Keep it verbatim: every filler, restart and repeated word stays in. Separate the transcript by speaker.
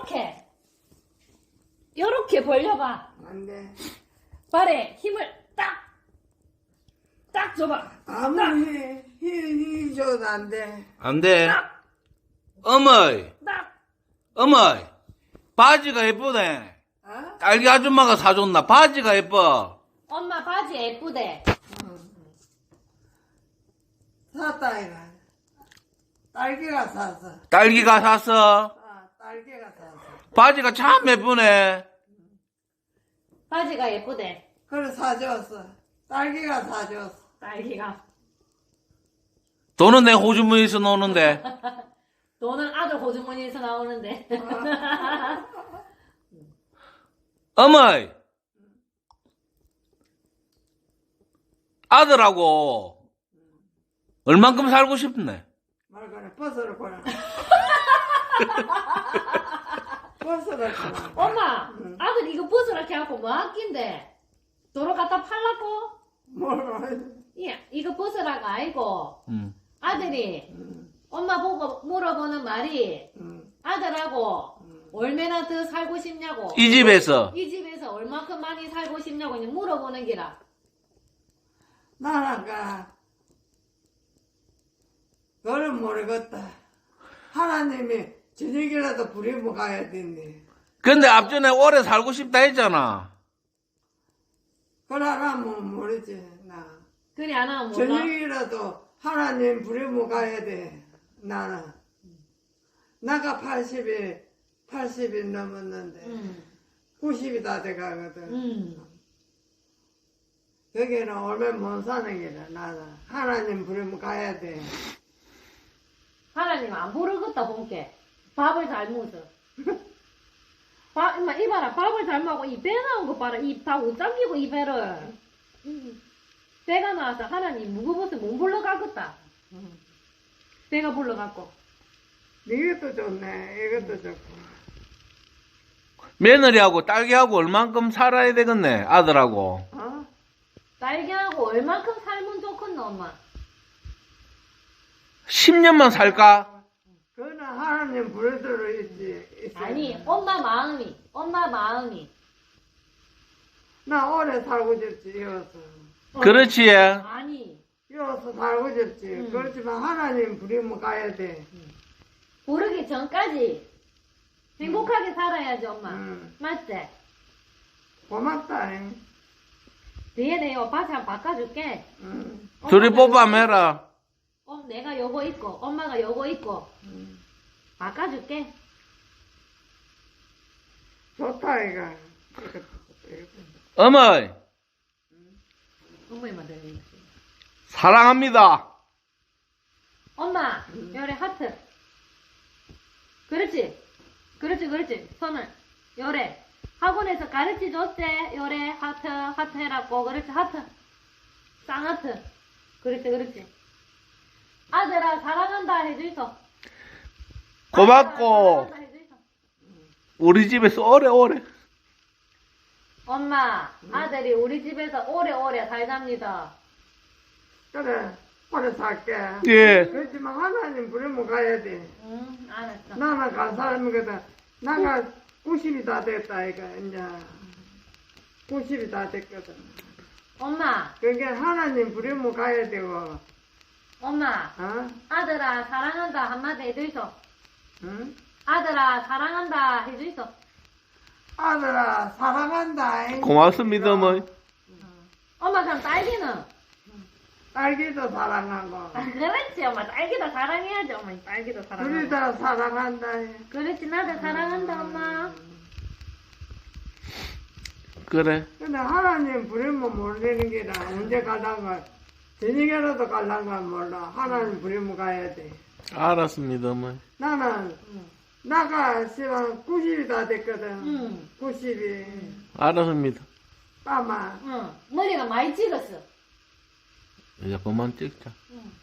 Speaker 1: 요렇게 요렇게 벌려봐.
Speaker 2: 안 돼.
Speaker 1: 발에 힘을 딱 딱 줘봐.
Speaker 2: 아무리 힘, 힘 줘도 안 돼.
Speaker 3: 안 돼.
Speaker 1: 딱
Speaker 3: 어머이,
Speaker 1: 딱.
Speaker 3: 어머이. 바지가 예쁘네.
Speaker 2: 어?
Speaker 3: 딸기 아줌마가 사줬나? 바지가 예뻐.
Speaker 1: 엄마 바지 예쁘대.
Speaker 2: 샀다, 이거. 딸기가 샀어.
Speaker 3: 딸기가 샀어.
Speaker 2: 아, 딸기가 샀어.
Speaker 3: 바지가 참 예쁘네.
Speaker 1: 바지가 예쁘대.
Speaker 2: 그래, 사줬어. 딸기가 사줬어.
Speaker 1: 딸기가.
Speaker 3: 돈은 내 호주머니에서 노는데.
Speaker 1: 너는 아들 호주머니에서 나오는데.
Speaker 3: 어머이. 아들하고 얼만큼 살고 싶네.
Speaker 2: 말 그래, 버스를 보라. 버스를 보라.
Speaker 1: 엄마,
Speaker 2: 응.
Speaker 1: 아들 이거 벗으라 해갖고 뭐 아낀데? 도로 갖다 팔라고?
Speaker 2: 몰라.
Speaker 1: 예, 이거 벗으라가 아니고
Speaker 3: 음.
Speaker 1: 아들이
Speaker 2: 응,
Speaker 1: 엄마 보고 물어보는 말이
Speaker 2: 응,
Speaker 1: 아들하고
Speaker 2: 응.
Speaker 1: 얼마나 더 살고 싶냐고.
Speaker 3: 이 집에서.
Speaker 1: 이 집에서 얼마큼 많이 살고 싶냐고 이제 물어보는 기라.
Speaker 2: 나는 가. 그건 모르겠다. 하나님이 저녁이라도 부리면 가야 되네.
Speaker 3: 근데 앞전에 오래 살고 싶다 했잖아.
Speaker 2: 그러라면 모르지, 나.
Speaker 1: 그래 안 하면 몰라.
Speaker 2: 저녁이라도 하나님 부리면 가야 돼, 나는. 나가 팔십이, 팔십이 넘었는데,
Speaker 1: 응,
Speaker 2: 구십이 다 돼가거든.
Speaker 1: 응.
Speaker 2: 여기는 얼마 못 사는 게라, 나는. 하나님 부리면 가야 돼.
Speaker 1: 하나님 안 부르겠다 본게. 밥을 잘 먹어. 밥, 임마 이봐라 밥을 잘 먹고 이 배 나온 거 봐라. 이 다 못 잠기고 이 배를. 배가 나와서 하나님 무거워서 못 불러가겠다. 배가 불러갖고.
Speaker 2: 이것도 좋네, 이것도 좋고.
Speaker 3: 며느리하고 딸기하고 얼만큼 살아야 되겠네. 아들하고.
Speaker 2: 어?
Speaker 1: 딸기하고 얼만큼 살면 좋겠노 엄마.
Speaker 3: 십 년만 살까?
Speaker 2: 그거는 하나님 부르도록 있지. 있어요.
Speaker 1: 아니 엄마 마음이 엄마 마음이.
Speaker 2: 나 오래 살고 싶지, 여기서.
Speaker 3: 그렇지.
Speaker 1: 아니
Speaker 2: 여기서 살고 싶지.
Speaker 1: 음.
Speaker 2: 그렇지만 하나님 부리면 가야 돼.
Speaker 1: 부르기 전까지 행복하게 살아야지 엄마.
Speaker 2: 음.
Speaker 1: 맞지?
Speaker 2: 고맙다. 잉.
Speaker 1: 뒤에 내가 바지 한번 바꿔줄게.
Speaker 2: 음.
Speaker 3: 둘이
Speaker 1: 엄마가
Speaker 3: 뽑아매라.
Speaker 1: 어, 내가 요거 입고 엄마가 요거 입고
Speaker 2: 음.
Speaker 1: 바꿔줄게.
Speaker 2: 좋다, 이거.
Speaker 3: 어머니,
Speaker 1: 어머니만 들리지.
Speaker 3: 사랑합니다.
Speaker 1: 엄마, 요래 하트. 그렇지. 그렇지, 그렇지. 손을. 요래. 학원에서 가르치 줬지? 요래. 하트, 하트 해라고. 그렇지, 하트. 쌍하트. 그렇지, 그렇지. 아들아, 사랑한다 해주이소.
Speaker 3: 고맙고,
Speaker 1: 아들아, 사랑한다 해주이소.
Speaker 3: 우리 집에서 오래오래.
Speaker 1: 엄마, 아들이 우리 집에서 오래오래 살답니다.
Speaker 2: 그래, 오래 살게.
Speaker 3: 예.
Speaker 2: 그렇지만 하나님 부르면 가야 돼.
Speaker 1: 응, 알았어.
Speaker 2: 나는 간 사람이거든. 나가 구십이 다 됐다, 이거, 이제. 구십이 다 됐거든.
Speaker 1: 엄마,
Speaker 2: 그게 하나님 부르면 가야 되고,
Speaker 1: 엄마,
Speaker 2: 어?
Speaker 1: 아들아, 사랑한다 한마디 해주이소.
Speaker 2: 응?
Speaker 1: 아들아, 사랑한다 해주이소.
Speaker 2: 아들아, 사랑한다. 잉.
Speaker 3: 고맙습니다, 어머니.
Speaker 1: 엄마, 그럼 딸기는?
Speaker 2: 딸기도 사랑하고,
Speaker 1: 아, 그렇지, 엄마. 딸기도 사랑해야지, 엄마. 딸기도
Speaker 2: 둘이
Speaker 1: 사랑하고.
Speaker 2: 다 사랑한다. 잉.
Speaker 1: 그렇지, 나도 사랑한다, 엄마.
Speaker 3: 그래.
Speaker 2: 근데 하나님 부르면 모르는 게라 언제 갈란가 저녁에라도 갈란가 몰라. 하나님 부르면 가야 돼.
Speaker 3: 알았습니다, 어머니.
Speaker 2: 나는
Speaker 1: 응.
Speaker 2: 나가 시간 구십이 다 됐거든.
Speaker 1: 응.
Speaker 2: 구십이
Speaker 3: 알았습니다.
Speaker 2: 빠마.
Speaker 1: 응. 머리가 많이 찍었어.
Speaker 3: 이제 그만 찍자.
Speaker 1: 응.